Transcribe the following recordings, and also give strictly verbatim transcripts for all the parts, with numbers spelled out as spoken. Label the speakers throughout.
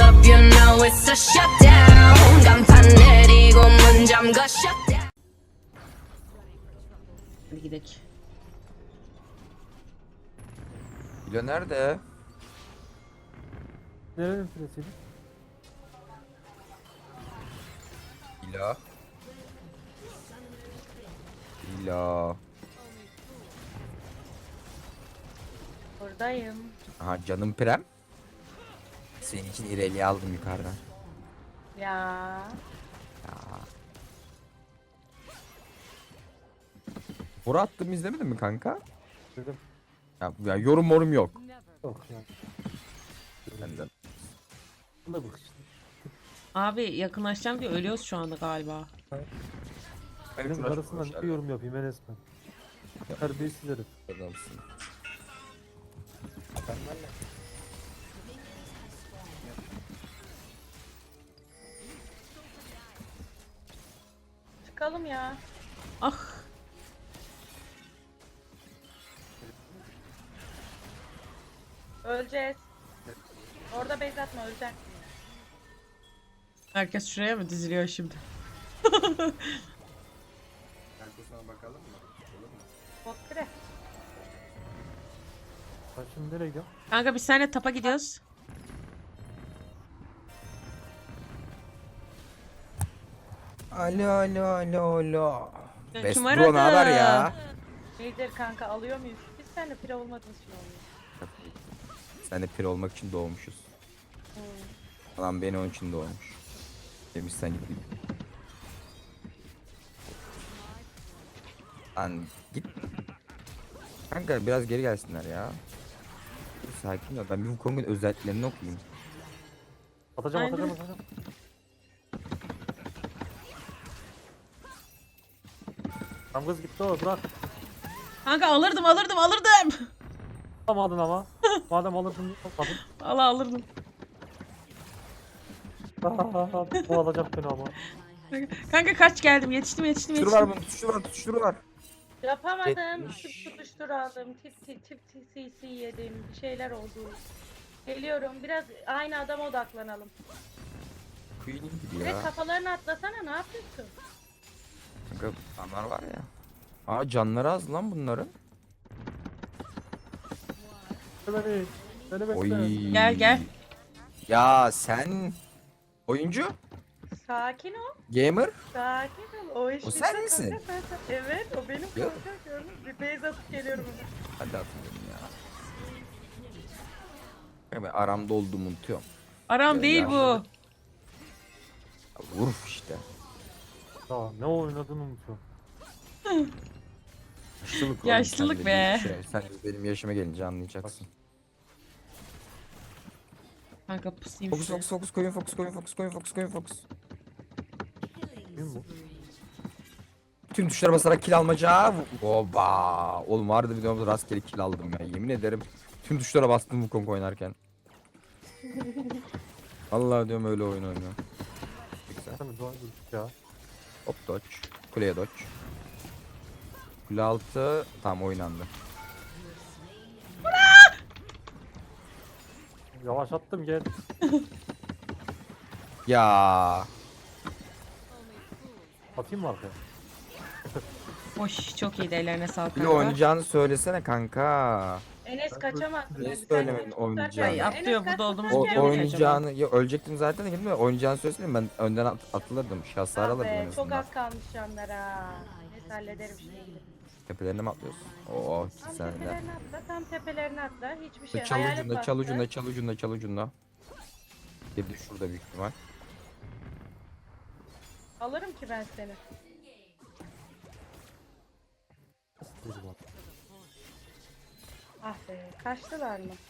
Speaker 1: up, you know it's a shutdown. 간판 내리고 문 잠가 shutdown.
Speaker 2: Hadi gidelim.
Speaker 3: Bilo nerede?
Speaker 4: Nerenin süresiydi?
Speaker 3: Bilo. Bilo.
Speaker 5: Buradayım.
Speaker 3: Aha canım Prem. Senin için İrelia'yı aldım yukarıdan.
Speaker 5: Ya.
Speaker 3: Ya. Bora attığımı izlemedin mi kanka?
Speaker 4: Dedim.
Speaker 3: Ya, ya yorum morum yok.
Speaker 4: Yok ya.
Speaker 3: Benden.
Speaker 4: Bu da bak işte.
Speaker 2: Abi yakınlaşacağım diye ölüyoruz şu anda galiba.
Speaker 4: Benim karısından bir yorum yapayım Enes ben. Terbiyesiz herif.
Speaker 3: Adamsın.
Speaker 5: Çıkalım ya.
Speaker 2: Ah.
Speaker 5: Öleceğiz. Orada base atma, öleceksin.
Speaker 2: Herkes şuraya mı diziliyor şimdi?
Speaker 3: Arkasına bakalım mı?
Speaker 5: Bot kire.
Speaker 4: Ben şimdi nereye gidiyorum?
Speaker 2: Kanka biz seninle tapa gidiyoruz.
Speaker 3: Alo alo alo alo.
Speaker 2: Ya
Speaker 3: Best
Speaker 2: kim
Speaker 3: bro
Speaker 2: aradı?
Speaker 3: ne haber ya?
Speaker 5: Nedir kanka, alıyor muyuz? Biz seninle pire olmadığımız için oluyor.
Speaker 3: Sen de pir olmak için doğmuşuz.
Speaker 5: Hmm.
Speaker 3: Adam beni onun için doğmuş. Demiş sen git. Lan git. Kanka biraz geri gelsinler ya. Sakin ol. Ben bir Wukong'un özelliklerini okuyayım.
Speaker 4: Atacağım
Speaker 2: Aynen.
Speaker 4: atacağım atacağım. Tam kız gitti o bırak.
Speaker 2: Kanka alırdım alırdım alırdım.
Speaker 4: Alamadın ama. Madem alırdın niye almadın?
Speaker 2: Allah alırdım.
Speaker 4: Bu alacak beni ama.
Speaker 2: Kanka kaç geldim yetiştim yetiştim
Speaker 3: Tutuşturu
Speaker 2: yetiştim.
Speaker 3: var bunun tutuşturu var tutuşturu var.
Speaker 5: Yapamadım.
Speaker 3: Yetmiş.
Speaker 5: Tip tutuştur aldım. Tip tip tip tip C C yedim. Bir şeyler oldu. Geliyorum. Biraz aynı adama odaklanalım.
Speaker 3: Queen'in gibi
Speaker 5: Ve
Speaker 3: ya.
Speaker 5: kafalarını atlasana, ne yapıyorsun?
Speaker 3: Kanka adamlar var ya. Aa canları az lan bunların.
Speaker 4: Beni. Beni bekle.
Speaker 3: Oy.
Speaker 2: Gel, gel.
Speaker 3: Ya sen oyuncu,
Speaker 5: Sakin ol.
Speaker 3: gamer.
Speaker 5: Sakin ol. O iş
Speaker 3: O
Speaker 5: bizde
Speaker 3: sen
Speaker 5: kanka,
Speaker 3: misin?
Speaker 5: sen- sen- Evet, o benim
Speaker 3: Yok.
Speaker 5: kanka. Gördün mü? Bir base atıp geliyorum hemen.
Speaker 3: Hadi atayım ya. Ya ben aramda olduğumu unutuyorum.
Speaker 2: Aram
Speaker 3: Ya,
Speaker 2: değil
Speaker 3: ya.
Speaker 2: bu.
Speaker 3: Ya, Vurf işte.
Speaker 4: Ya ne oynadığını unutuyorum.
Speaker 3: Yaşlılık oğlum,
Speaker 2: Yaşlılık
Speaker 3: sen de
Speaker 2: be.
Speaker 3: bir Şey, sen de benim yaşıma gelince anlayacaksın.
Speaker 2: Kanka pusayım
Speaker 3: Fokus
Speaker 2: şuraya.
Speaker 3: fokus fokus koyun fokus koyun fokus koyun fokus koyun fokus.
Speaker 4: Kim bu?
Speaker 3: Tüm tuşlara basarak kill almaca. Oba. Oğlum vardı videomda rastgele kill aldım ya. Yemin ederim. Tüm tuşlara bastım bu Kong oynarken. Vallahi diyorum öyle oyun oynuyor. Güzel.
Speaker 4: Sen de dua dur ya.
Speaker 3: Hop dodge. Kuleye dodge. Kule altı tam oynandı.
Speaker 4: Yavaş attım gel.
Speaker 3: Ya
Speaker 4: Atayım mı arkaya?
Speaker 2: Hoş çok iyi ellerine sağlık
Speaker 3: bir de
Speaker 2: kanka.
Speaker 3: oynayacağını söylesene kanka.
Speaker 5: Enes kaçamazsın.
Speaker 3: Ne
Speaker 5: Sen
Speaker 3: söylemedin
Speaker 5: çok
Speaker 3: oynayacağını?
Speaker 5: tutarken-
Speaker 2: Ay, atlıyor,
Speaker 5: Enes
Speaker 2: burada
Speaker 5: kaç
Speaker 2: olduğumuz
Speaker 3: O,
Speaker 5: tutarken-
Speaker 2: gibi
Speaker 3: oynayacağını ya ölecektim zaten de gitme oynayacağını söylesene ben önden at, atılırdım. Şahsar
Speaker 5: Ah
Speaker 3: alırdım
Speaker 5: be,
Speaker 3: en
Speaker 5: çok
Speaker 3: azından.
Speaker 5: az kalmış canlara. Neyse, hallederim şimdi.
Speaker 3: Tepelerine mi atlıyorsun? Oo
Speaker 5: Tam
Speaker 3: sen de.
Speaker 5: tepelerine atla, tam tepelerine atla. Hiçbir şey.
Speaker 3: Çal
Speaker 5: Hayalet
Speaker 3: ucunda
Speaker 5: bastı.
Speaker 3: çal ucunda çal ucunda çal ucunda. Bir de şurada büyük ihtimal.
Speaker 5: Alırım ki ben seni.
Speaker 4: Dur bak.
Speaker 5: Ah be, kaçtılar mı?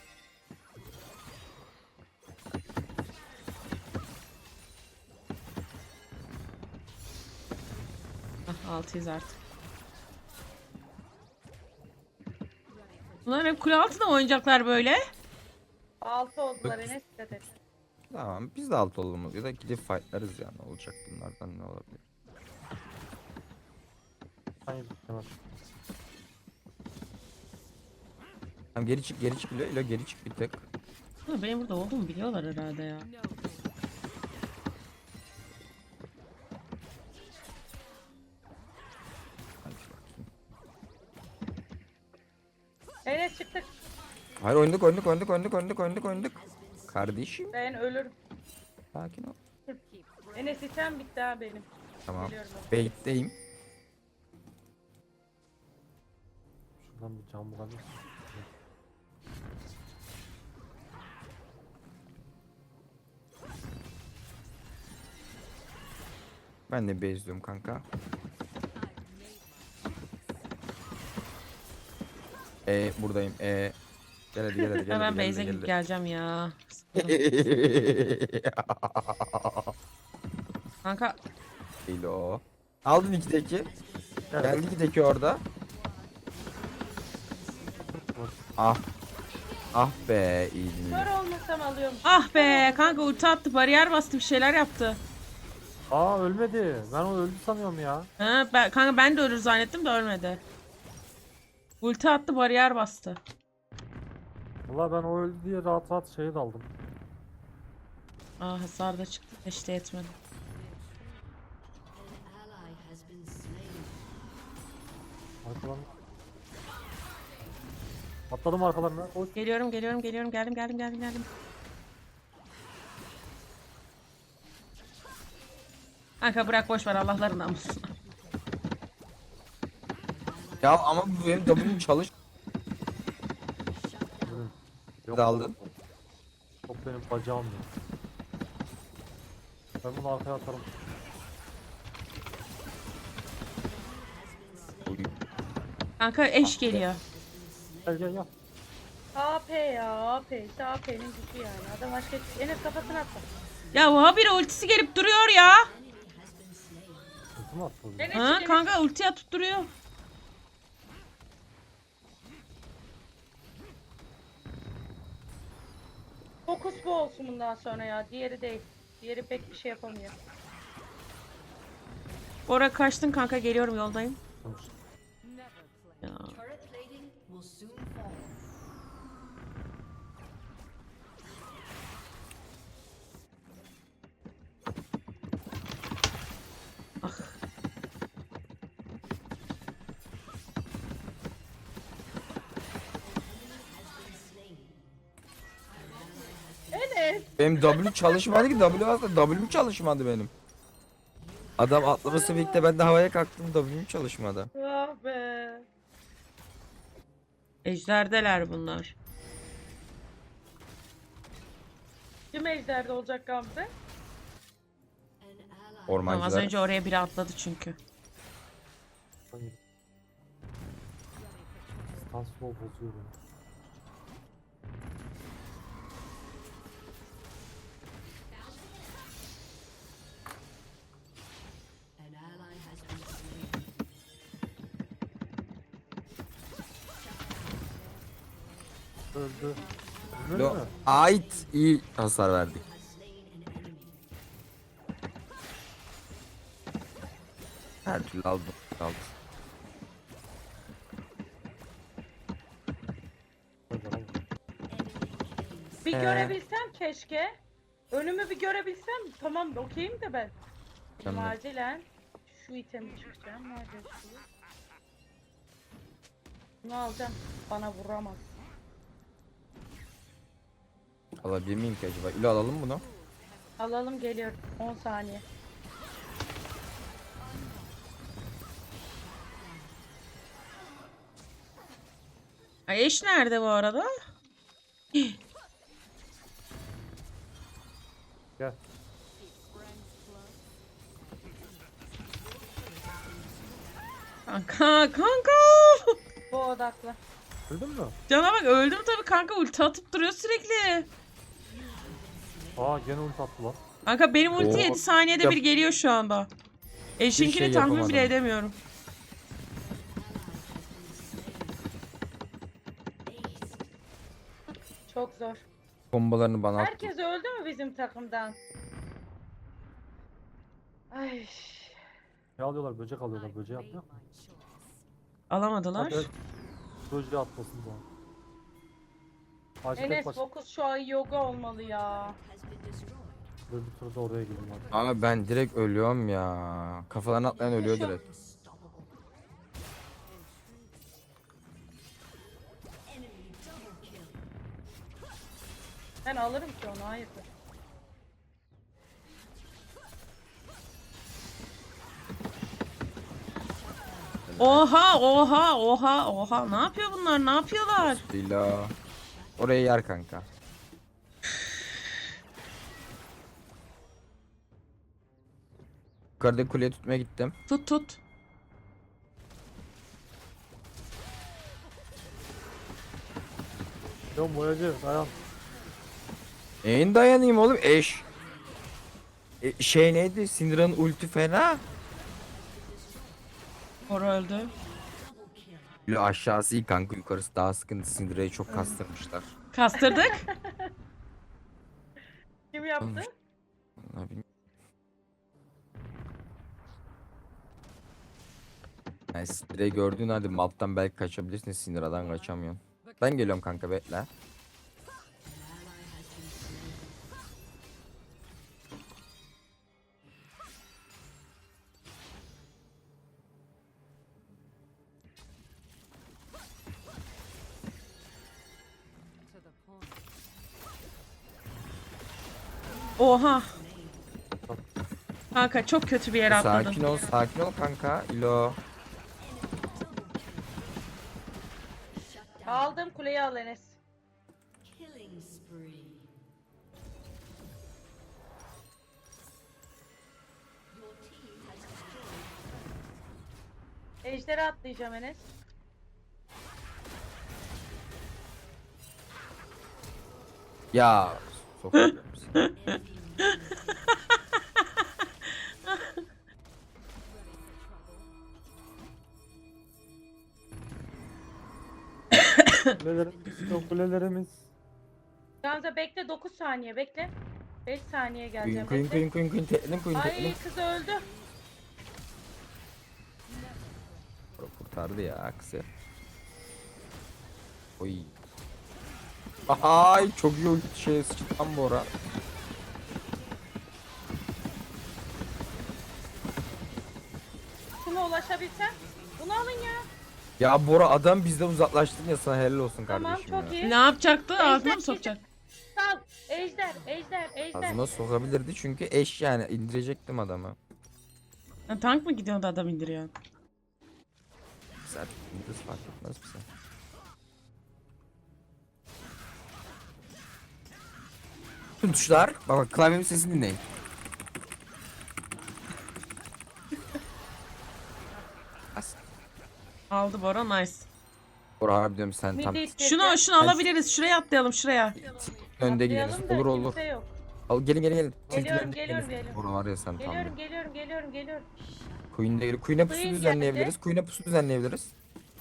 Speaker 2: Ah, altıyız artık. Bunlar hep kule altında mı oynayacaklar böyle?
Speaker 5: Altı oldular, Enes dikkat et.
Speaker 3: Tamam biz de alt olalım ya da gidip fightlarız yani olacak bunlardan ne olabilir.
Speaker 4: Hayır hemen.
Speaker 3: Tamam geri çık geri çık İlo, İlo geri çık bir tek.
Speaker 2: Ha, benim burada olduğumu biliyorlar herhalde ya.
Speaker 3: Hadi bakayım.
Speaker 5: Enes çıktık.
Speaker 3: Hayır oynadık oynadık oynadık oynadık oynadık oynadık oynadık. Kardeşim.
Speaker 5: Ben ölürüm.
Speaker 3: Sakin ol.
Speaker 5: Enes item bitti ha benim.
Speaker 3: Tamam.
Speaker 5: Geliyorum ben.
Speaker 3: Bait'teyim.
Speaker 4: Şuradan bir cam bulabilir.
Speaker 3: Ben de bezliyorum kanka. E buradayım. E gel hadi gel hadi gel.
Speaker 2: Hemen
Speaker 3: hadi, gel
Speaker 2: base'e
Speaker 3: hadi,
Speaker 2: gidip
Speaker 3: gel
Speaker 2: geleceğim ya.
Speaker 3: hadi.
Speaker 2: Kanka
Speaker 3: Değil o. Aldın ikideki. Geldi ikideki orada. Ah. Ah be iyiydin.
Speaker 5: Kör olmasam alıyorum.
Speaker 2: ah be kanka ulti attı, bariyer bastı, bir şeyler yaptı.
Speaker 4: Aa ölmedi. Ben o öldü sanıyorum ya.
Speaker 2: Ha, ben, kanka ben de ölür zannettim de ölmedi. Ulti attı, bariyer bastı.
Speaker 4: Valla ben o öldü diye rahat rahat şeye daldım.
Speaker 2: Aa, hasar da çıktı, işte yetmedi.
Speaker 4: Arkalarına. Atladım arkalarına. Koş.
Speaker 2: Geliyorum geliyorum geliyorum, geldim geldim geldim geldim. Kanka bırak, boş ver Allah'ların namusuna.
Speaker 3: Ya ama bu benim W'm çalış.
Speaker 4: Yok,
Speaker 3: Da aldın.
Speaker 4: Top benim bacağım ya. Ben bunu arkaya atarım.
Speaker 2: Kanka eş geliyor.
Speaker 4: Gel gel gel.
Speaker 5: A P ya A P. İşte A P'nin gücü yani. Adam başka Enes kafasını attı.
Speaker 2: Ya bu habire ultisi gelip duruyor ya.
Speaker 4: Kötü mü atladı?
Speaker 5: Enes,
Speaker 2: Ha
Speaker 5: Enes.
Speaker 2: kanka ulti atıp duruyor.
Speaker 5: Fokus bu olsun bundan sonra ya. Diğeri değil. Diğeri pek bir şey yapamıyor.
Speaker 2: Oraya kaçtın kanka, geliyorum, yoldayım. Ya. Ah.
Speaker 5: Enes.
Speaker 3: Benim W çalışmadı ki. W aslında W'm çalışmadı benim. Adam atlaması birlikte ben de havaya kalktım. W'm çalışmadı.
Speaker 5: Ah be.
Speaker 2: Ejderdeler bunlar.
Speaker 5: Kim ejderde olacak Gamze?
Speaker 2: Tamam, az
Speaker 3: Ormancılar.
Speaker 2: önce oraya biri atladı çünkü.
Speaker 4: Hayır. Stun slow bozuyor beni. Öldü. Ölmedi
Speaker 3: Lo
Speaker 4: mi?
Speaker 3: ait iyi hasar verdik. Her türlü aldım. aldım.
Speaker 4: Öldü, öldü.
Speaker 5: Bir
Speaker 3: Ee?
Speaker 5: görebilsem keşke. Önümü bir görebilsem tamam okeyim de ben. Benim
Speaker 3: Tamam.
Speaker 5: acilen şu itemi çıkacağım. Nerede şu? Bunu alacağım. Bana vuramaz.
Speaker 3: Alabilir miyim ki acaba? İlo alalım bunu.
Speaker 5: Alalım geliyorum. on saniye.
Speaker 2: Ay eş nerede bu arada?
Speaker 4: Gel.
Speaker 2: Kanka kanka.
Speaker 5: Bu odaklı.
Speaker 4: Öldün mü?
Speaker 2: Cana bak, öldüm tabii kanka, ulti atıp duruyor sürekli.
Speaker 4: Aa gene ult attı lan.
Speaker 2: Kanka benim ulti
Speaker 3: Oo.
Speaker 2: yedi saniyede
Speaker 3: Yap.
Speaker 2: bir geliyor şu anda. Eşinkini
Speaker 3: şey
Speaker 2: tahmin
Speaker 3: yapamadım.
Speaker 2: bile edemiyorum.
Speaker 5: Çok zor.
Speaker 3: Bombalarını bana attı.
Speaker 5: Herkes öldü mü bizim takımdan? Ay.
Speaker 4: Ne alıyorlar? Böcek alıyorlar. Böceği atlıyor.
Speaker 2: Alamadılar.
Speaker 4: Hadi. Böceği atlasın bu an. Acil
Speaker 5: Enes
Speaker 4: baş.
Speaker 5: fokus şu an yoga olmalı ya.
Speaker 4: Böyle bir turda oraya gidelim hadi.
Speaker 3: Ama ben direkt ölüyorum ya. Kafalarına atlayan ölüyor
Speaker 5: Şu-
Speaker 3: direkt.
Speaker 5: Ben alırım ki onu, hayırdır.
Speaker 2: Oha oha oha oha. Ne yapıyor bunlar? Ne yapıyorlar?
Speaker 3: Dila. Oraya yer kanka. Yukarıda kuleye tutmaya gittim.
Speaker 2: Tut tut.
Speaker 4: Yok boyacı dayan.
Speaker 3: Neyin dayanayım oğlum eş. E, şey neydi? Syndra'nın ulti fena.
Speaker 2: Bora öldü.
Speaker 3: Böyle aşağısı iyi kanka, yukarısı daha sıkıntı. Syndra'yı çok kastırmışlar.
Speaker 2: Kastırdık.
Speaker 5: Kim yaptı?
Speaker 3: Olmuş. Ne bileyim. Yani Syndra'yı gördüğün halde map'tan belki kaçabilirsin, Syndra'dan kaçamıyorsun. Ben geliyorum kanka, bekle.
Speaker 2: Oha. Kanka çok kötü bir yere atladın.
Speaker 3: Sakin ol, sakin ol kanka. İlo.
Speaker 5: Aldım, kuleyi al Enes. Ejderi atlayacağım Enes.
Speaker 3: Ya. Sokarım seni.
Speaker 4: Kulelerimiz yok kulelerimiz.
Speaker 5: Gamze bekle, dokuz saniye bekle. beş saniye
Speaker 3: Kuyun
Speaker 5: geleceğim.
Speaker 3: kuyun
Speaker 5: bekle.
Speaker 3: kuyun kuyun kuyun tekledim kuyun
Speaker 5: Ay
Speaker 3: tekledim.
Speaker 5: kız öldü.
Speaker 3: Kurtardı ya kızı. Oy. Ay çok iyi ulti şey sıçtan bu ara.
Speaker 5: Şuna ulaşabilsem. Bunu alın ya.
Speaker 3: Ya Bora, adam bizden uzaklaştın ya, sana helal olsun
Speaker 5: Tamam,
Speaker 3: kardeşim
Speaker 5: çok
Speaker 3: ya.
Speaker 5: iyi.
Speaker 2: Ne yapacaktı? Ağzına
Speaker 5: Ejder,
Speaker 2: mı sokacak?
Speaker 5: Sal. Ejder, ejder, ejder.
Speaker 3: Ağzıma sokabilirdi çünkü eş, yani indirecektim adamı.
Speaker 2: Ya, tank mı gidiyordu adam indiriyor?
Speaker 3: Sen indir, fark etmez bize. Tüm tuşlar. Bak bak, klavyemin sesini dinleyin. As.
Speaker 2: Aldı Bora, nice.
Speaker 3: Bora abi diyorum, sen tam
Speaker 5: Midi ittireceğim.
Speaker 2: Şunu şunu alabiliriz. Şuraya atlayalım şuraya.
Speaker 3: önde
Speaker 5: Atlayalım
Speaker 3: gideriz.
Speaker 5: da
Speaker 3: Olur olur.
Speaker 5: kimse yok.
Speaker 3: Al, gelin gelin gelin.
Speaker 5: Geliyorum,
Speaker 3: Tilkilerin-
Speaker 5: geliyorum, geliyorum.
Speaker 3: Bora var ya sen tam.
Speaker 5: Geliyorum, geliyorum, geliyorum, geliyorum.
Speaker 3: Queen'de geliyor. Queen'e pusu
Speaker 5: Queen
Speaker 3: düzenleyebiliriz.
Speaker 5: geldi.
Speaker 3: Queen'e pusu düzenleyebiliriz.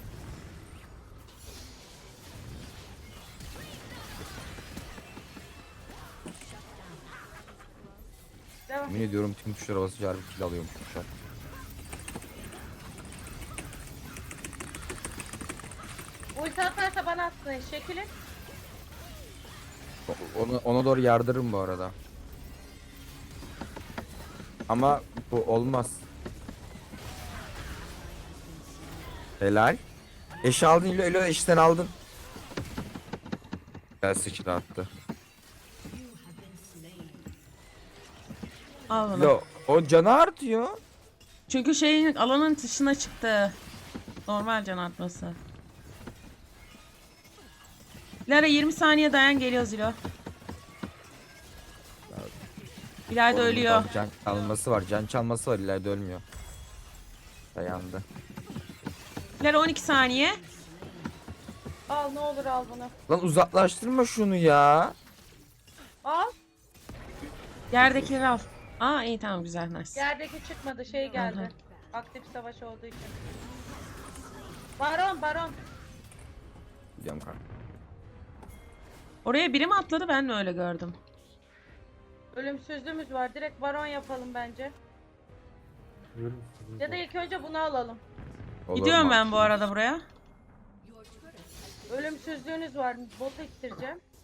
Speaker 5: Devam.
Speaker 3: Yemin ediyorum tüm tuşlara basınca harbi kill alıyormuş tuşlar.
Speaker 5: Ulti atarsa bana atsın, şekilin.
Speaker 3: O- Onu, ona doğru yardırırım bu arada. Ama bu olmaz. Helal. Eşi aldın, Elo, Elo eşten aldın. Gel sıçra attı.
Speaker 2: Al bunu.
Speaker 3: Elo, o canı artıyor.
Speaker 2: Çünkü şeyin alanın dışına çıktı. Normal can artması. Lara yirmi saniye dayan, geliyor Zilo. İleride
Speaker 3: Oğlum,
Speaker 2: ölüyor.
Speaker 3: burada Can çalması var, can çalması var, ileride ölmüyor. Dayandı.
Speaker 2: Lara on iki saniye.
Speaker 5: Al, ne olur al bunu.
Speaker 3: Lan uzaklaştırma şunu ya.
Speaker 5: Al.
Speaker 2: Yerdekileri al. Aa iyi, tamam, güzel, nice.
Speaker 5: Yerdeki çıkmadı, şey geldi.
Speaker 2: Hı hı.
Speaker 5: Aktif savaş olduğu için. Baron, baron.
Speaker 3: Gidiyorum kanka.
Speaker 2: Oraya biri mi atladı, ben mi öyle gördüm?
Speaker 5: Ölümsüzlüğümüz var. Direkt baron yapalım bence.
Speaker 4: Ölüm sizi.
Speaker 5: Ya da ilk önce bunu alalım.
Speaker 3: Olur
Speaker 2: Gidiyorum
Speaker 3: mu?
Speaker 2: ben bu arada buraya.
Speaker 5: Ölümsüzlüğünüz var. Botu ittireceğim.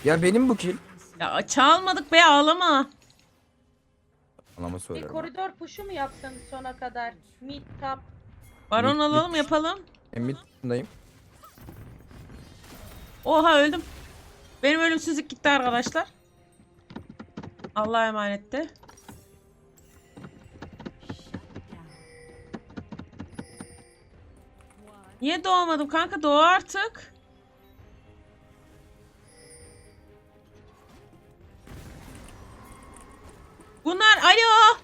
Speaker 3: Ya benim bu kill.
Speaker 2: Ya çalmadık be, ağlama.
Speaker 3: Anama
Speaker 5: Bir
Speaker 3: söylerim.
Speaker 5: koridor puşu mu yapsın sona kadar? Mid top.
Speaker 2: Baron
Speaker 3: Mid-
Speaker 2: alalım,
Speaker 3: mid-
Speaker 2: yapalım.
Speaker 3: Emmit'indeyim.
Speaker 2: Oha, öldüm. Benim ölümsüzlük gitti arkadaşlar. Allah'a emanetti. Niye doğmadım kanka? Doğu artık. Bunlar alo.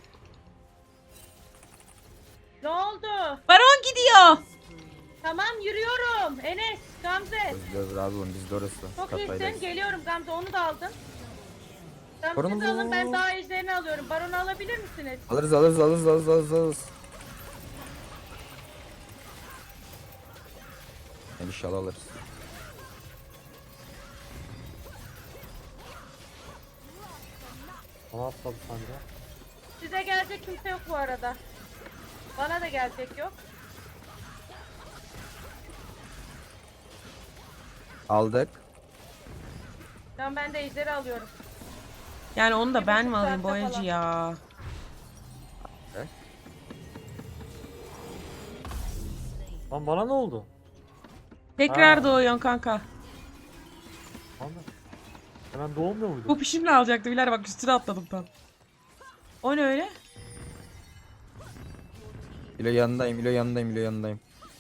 Speaker 5: Ne oldu?
Speaker 2: Baron gidiyor.
Speaker 5: Tamam yürüyorum. Enes, Gamze.
Speaker 3: Özlüyoruz razı olun biz de orası.
Speaker 5: Çok
Speaker 3: Katlaydayız.
Speaker 5: iyisin. Geliyorum Gamze. Onu da aldım.
Speaker 3: Baron'u
Speaker 5: Gamze'yi de alın. Ben
Speaker 3: bu-
Speaker 5: daha ejderini alıyorum. Baron'u alabilir misiniz?
Speaker 3: Alırız alırız alırız alırız alırız alırız. Yani inşallah alırız.
Speaker 4: Bana atladı sanca.
Speaker 5: Size gelecek kimse yok bu arada. Bana da gelecek yok.
Speaker 3: Aldık.
Speaker 5: Tamam ben de ejderi alıyorum.
Speaker 2: Yani onu da
Speaker 5: Bir
Speaker 2: ben
Speaker 5: buçuk
Speaker 2: mi alayım
Speaker 5: saatte
Speaker 2: boyacı
Speaker 5: falan.
Speaker 2: ya?
Speaker 4: Lan bana ne oldu?
Speaker 2: Tekrar
Speaker 4: Ha.
Speaker 2: doğuyorsun kanka.
Speaker 4: Anla. Hemen doğmuyor muydu?
Speaker 2: Bu pişimle alacaktı Bilal, bak üstüne atladım tam. O ne öyle?
Speaker 3: İlo yanındayım, İlo yanındayım, İlo yanındayım.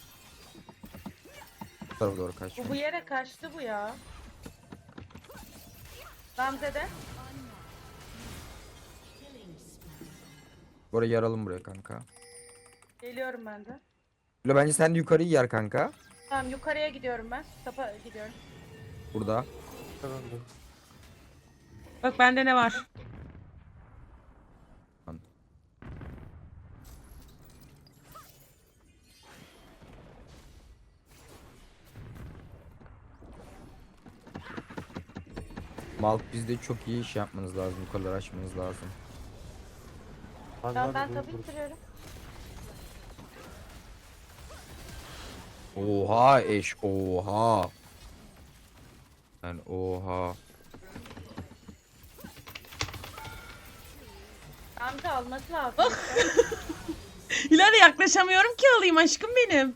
Speaker 3: Bu tarafa doğru kaç.
Speaker 5: Bu bu yere kaçtı bu ya. Gamze de.
Speaker 3: Buraya yaralım buraya kanka.
Speaker 5: Geliyorum ben de.
Speaker 3: İlo bence sen de yukarıyı yer kanka.
Speaker 5: Tamam yukarıya gidiyorum ben. Tapa gidiyorum.
Speaker 3: Burada.
Speaker 4: Efendim.
Speaker 2: Bak bende ne var?
Speaker 3: Malk bizde çok iyi iş yapmanız lazım. Yukarıları açmanız lazım.
Speaker 4: Hadi
Speaker 5: Tamam
Speaker 4: hadi,
Speaker 5: ben
Speaker 4: dur,
Speaker 5: tapu
Speaker 4: dur.
Speaker 5: bitiriyorum.
Speaker 3: Oha eş, oha. Yani oha.
Speaker 5: Gamze alması lazım.
Speaker 2: Hilal'e yaklaşamıyorum ki alayım aşkım benim.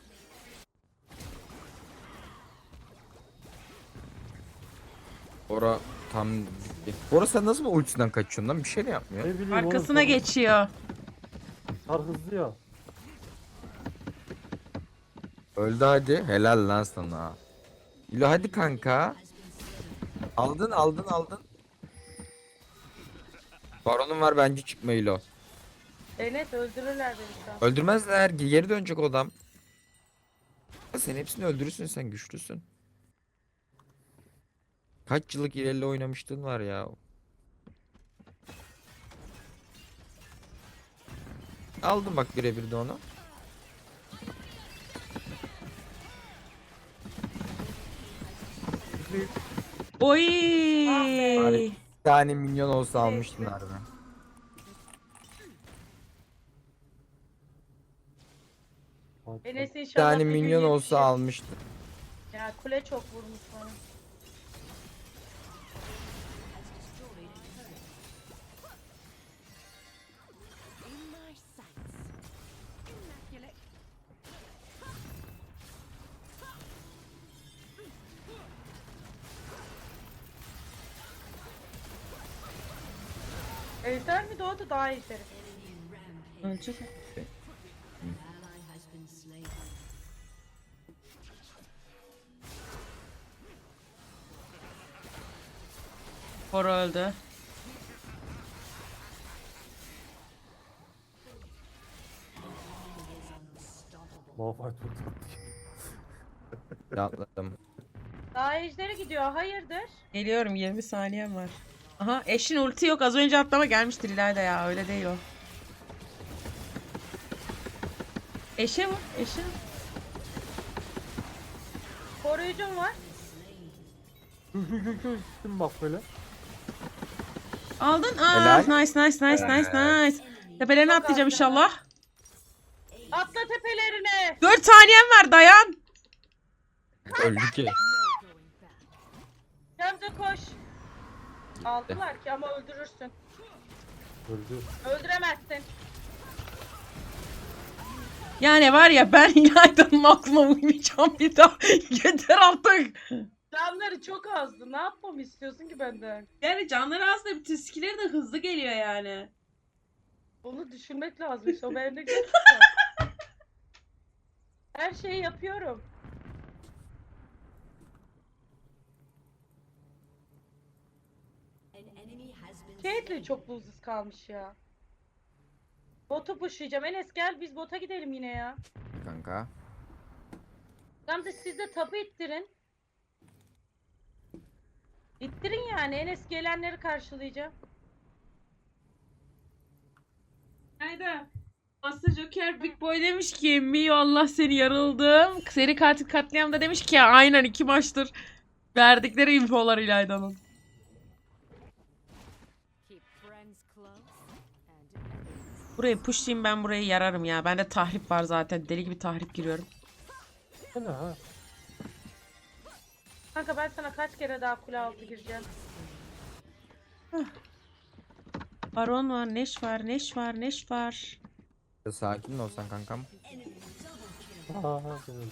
Speaker 3: Ora tam... Bora sen nasıl bu ultisinden kaçıyorsun lan? Bir şey de yapmıyor.
Speaker 4: Ne bileyim
Speaker 2: Arkasına
Speaker 4: oğlum,
Speaker 2: geçiyor.
Speaker 4: Kar hızlı ya.
Speaker 3: Öldü hadi. Helal lan sana. İlo hadi kanka. Aldın aldın aldın. Baronum var bence çıkma İlo.
Speaker 5: Enes öldürürler beni şu an.
Speaker 3: Öldürmezler. Geri dönecek o adam. Sen hepsini öldürürsün, sen güçlüsün. Kaç yıllık ilerle oynamıştın var ya. Aldım bak birebir de onu.
Speaker 2: Oy.
Speaker 3: Bari bir tane minyon olsa almıştın harbi.
Speaker 4: Hadi.
Speaker 5: Enes
Speaker 3: Bir
Speaker 5: inşallah
Speaker 3: tane
Speaker 5: bir gün
Speaker 3: minyon olsa
Speaker 5: yetişir.
Speaker 3: almıştın.
Speaker 5: Ya kule çok vurmuş bana. Ejder mi doğdu daha ejderi?
Speaker 2: Ölecek. Bora öldü.
Speaker 4: Malphite vurdu.
Speaker 3: Atladım.
Speaker 5: Daha ejderi gidiyor hayırdır?
Speaker 2: Geliyorum, yirmi saniyem var. Aha, eşin ulti yok, az önce atlama gelmiştir İlayda ya, öyle değil o. Eşe mi? Eşe mi?
Speaker 5: Koruyucum var.
Speaker 4: Şu şu şu şu üstüm bak böyle.
Speaker 2: Aldın. Aa,
Speaker 3: Helal.
Speaker 2: nice nice nice nice nice. Tepelerine
Speaker 5: Çok
Speaker 2: atlayacağım
Speaker 5: az
Speaker 2: inşallah.
Speaker 5: Atla tepelerine.
Speaker 2: dört saniyem var, dayan.
Speaker 3: Öldü ki.
Speaker 5: Gamze koş. Aldılar ki ama öldürürsün.
Speaker 4: Öldü.
Speaker 5: Öldüremezsin.
Speaker 2: Yani var ya ben İlayda'nın aklına uymayacağım bir daha. Yeter artık.
Speaker 5: Canları çok azdı. Ne yapmamı istiyorsun ki benden?
Speaker 2: Yani canları aslında bütün skill'leri de hızlı geliyor yani.
Speaker 5: Onu düşünmek lazım. İşte o bende yok. Her şeyi yapıyorum. Caitlyn çok buzsuz kalmış ya. Botu pushlayacağım. Enes gel biz bota gidelim yine ya.
Speaker 3: Kanka.
Speaker 5: Gamze siz de tapu ittirin. İttirin yani. Enes gelenleri karşılayacağım.
Speaker 2: Hayda. Master Joker Big Boy demiş ki Mio Allah seni yarıldım. Seri katil katliam da demiş ki aynen iki maçtır verdikleri infolar İlayda'nın. Burayı pushlayayım ben burayı yararım ya. Bende tahrip var zaten. Deli gibi tahrip giriyorum.
Speaker 4: Bu ne ha?
Speaker 5: Kanka ben sana kaç kere daha kule altı gireceğim.
Speaker 2: Baron var, Neş var, Neş var, Neş var.
Speaker 3: Sakin mi olsan kankam?
Speaker 4: Aha sen öldü.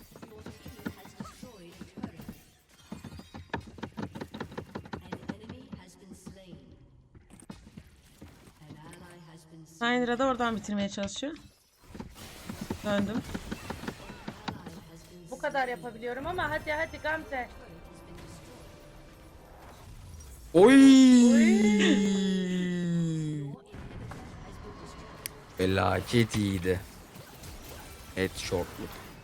Speaker 2: Syndra da oradan bitirmeye çalışıyor. Döndüm.
Speaker 5: Bu kadar yapabiliyorum ama hadi hadi Gamze.
Speaker 3: Oy! Felaket iyiydi. Headshot'luk.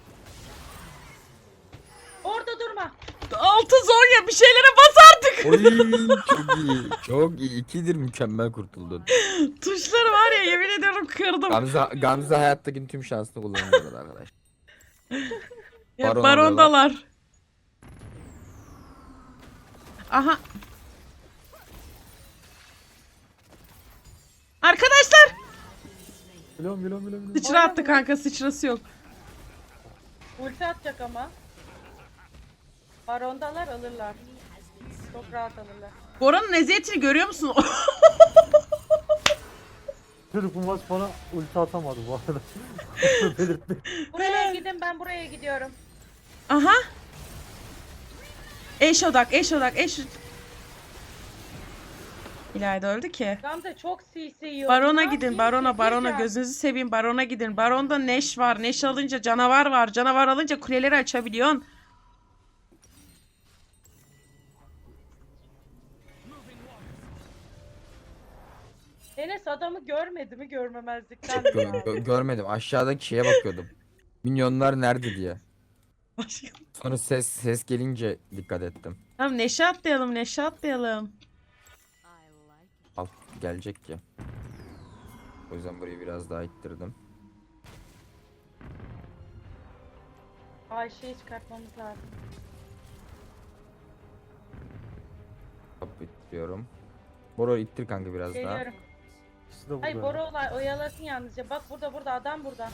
Speaker 5: Orada durma.
Speaker 2: Altı Zonya bir şeylere bas artık.
Speaker 3: Oy çok iyi. Çok iyi. İkidir mükemmel kurtuldun.
Speaker 2: Tuşları var ya yemin ediyorum kırdım.
Speaker 3: Gamze, Gamze hayattaki tüm şansını kullanıyor arkadaş.
Speaker 2: Ya
Speaker 3: Baron
Speaker 2: barondalar. Aha. Arkadaşlar.
Speaker 4: Biliyorum biliyorum biliyorum. biliyorum.
Speaker 2: Sıçra attı kanka sıçrası yok.
Speaker 5: Ulti atacak ama. Barondalar alırlar. Çok rahat alırlar.
Speaker 2: Bora'nın eziyetini görüyor musun?
Speaker 4: Çocuk bu maç bana ulti atamadı bu arada. Belirtti.
Speaker 5: Buraya gidin ben buraya gidiyorum.
Speaker 2: Aha. Eş odak, eş odak, eş... İlayda öldü ki.
Speaker 5: Gamze çok C C yiyor.
Speaker 2: Barona
Speaker 5: Ne
Speaker 2: gidin,
Speaker 5: yapayım
Speaker 2: barona,
Speaker 5: ki?
Speaker 2: barona.
Speaker 5: Gireceğim.
Speaker 2: Gözünüzü seveyim, barona gidin. Baronda Neş var. Neş alınca canavar var. Canavar alınca kuleleri açabiliyorsun.
Speaker 5: Enes adamı görmedi mi görmemezlikten mi
Speaker 3: Gö-
Speaker 5: ya?
Speaker 3: gö- görmedim. Aşağıdaki şeye bakıyordum. Minyonlar nerede diye. Sonra ses ses gelince dikkat ettim.
Speaker 2: Tamam Neşe atlayalım, Neşe atlayalım.
Speaker 3: Alt gelecek ki. O yüzden burayı biraz daha ittirdim.
Speaker 5: Ayşe'yi çıkartmamız lazım.
Speaker 3: Hop ittiriyorum. Boro ittir kanka biraz daha.
Speaker 5: Geliyorum.
Speaker 4: İkisi de burada.
Speaker 5: Hayır Bora olay oyalasın yalnızca. Bak burada burada adam burada.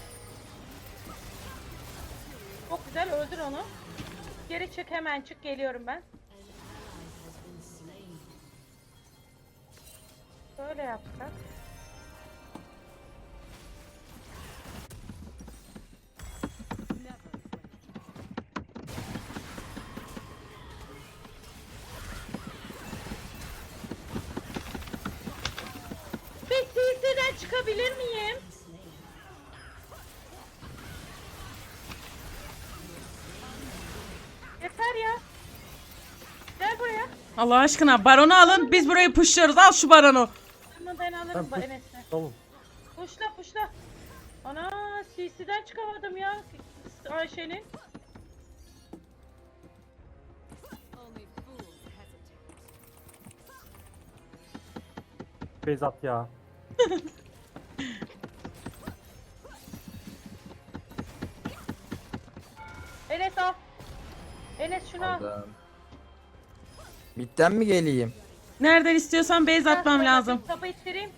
Speaker 5: Çok güzel öldür onu. Geri çık hemen çık geliyorum ben. Böyle yapsak. Bir C C'den çıkabilir miyim? Yeter ya. Gel buraya.
Speaker 2: Allah aşkına baronu alın, biz burayı pushluyoruz. Al şu baronu.
Speaker 5: Ama ben alırım
Speaker 4: Ben
Speaker 5: bu
Speaker 4: push-
Speaker 5: Enes'le.
Speaker 4: Tamam.
Speaker 5: Puşla puşla. Ana C C'den çıkamadım ya Ayşe'nin.
Speaker 4: Beyzat ya.
Speaker 5: Enes al. Enes şunu al.
Speaker 3: Aldım. Bitten mi geleyim?
Speaker 2: Nereden istiyorsan base atmam lazım.
Speaker 5: Kapı ittireyim.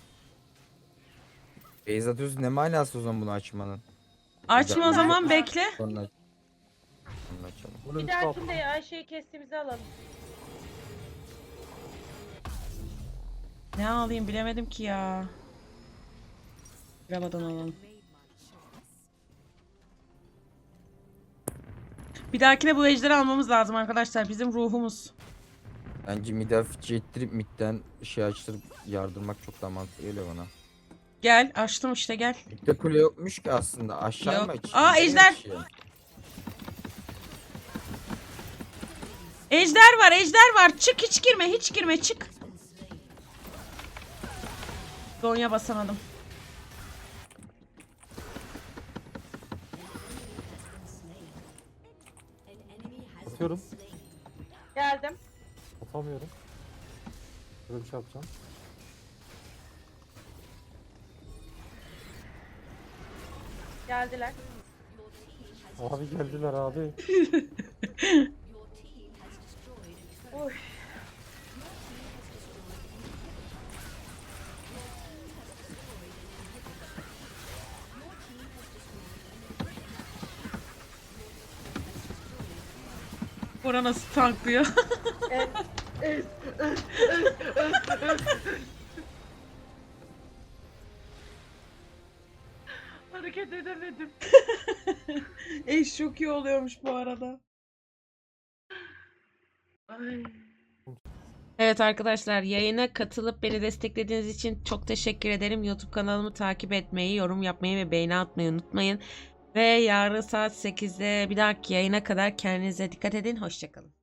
Speaker 3: Beyz atıyorsun ne manası o zaman bunu açmanın?
Speaker 2: Açma o zaman bekle.
Speaker 3: Sonra aç. Sonra açalım.
Speaker 4: Bunu
Speaker 5: Bir
Speaker 4: ulti at.
Speaker 5: dahakinde Ayşe'yi kestiğimizi alalım.
Speaker 2: Ne alayım bilemedim ki ya. Rabadan alalım. Bir dahakine bu ejderi almamız lazım arkadaşlar. Bizim ruhumuz.
Speaker 3: Bence mid'e fıçı ettirip mid'den şey açtırıp yardırmak çok daha mantıklı geliyor bana.
Speaker 2: Gel açtım işte gel.
Speaker 3: Mid'de kule yokmuş ki aslında. Aşağı
Speaker 2: Yok.
Speaker 3: mı açayım?
Speaker 2: Aa,
Speaker 3: Nereye
Speaker 2: ejder.
Speaker 3: açayım?
Speaker 2: Ejder var ejder var. Çık hiç girme hiç girme çık. Donya basamadım.
Speaker 4: Atıyorum.
Speaker 5: Geldim.
Speaker 4: Atamıyorum. Böyle bir şey yapacağım.
Speaker 5: Geldiler.
Speaker 4: Abi geldiler abi.
Speaker 5: Oy.
Speaker 2: Bora nasıl tanklıyor?
Speaker 5: Evet. Hareket edemedim.
Speaker 2: Eş çok iyi oluyormuş bu arada.
Speaker 5: Ay.
Speaker 2: Evet arkadaşlar yayına katılıp beni desteklediğiniz için çok teşekkür ederim. YouTube kanalımı takip etmeyi, yorum yapmayı ve beğeni atmayı unutmayın. Ve yarın saat sekizde bir dahaki yayına kadar kendinize dikkat edin. Hoşçakalın.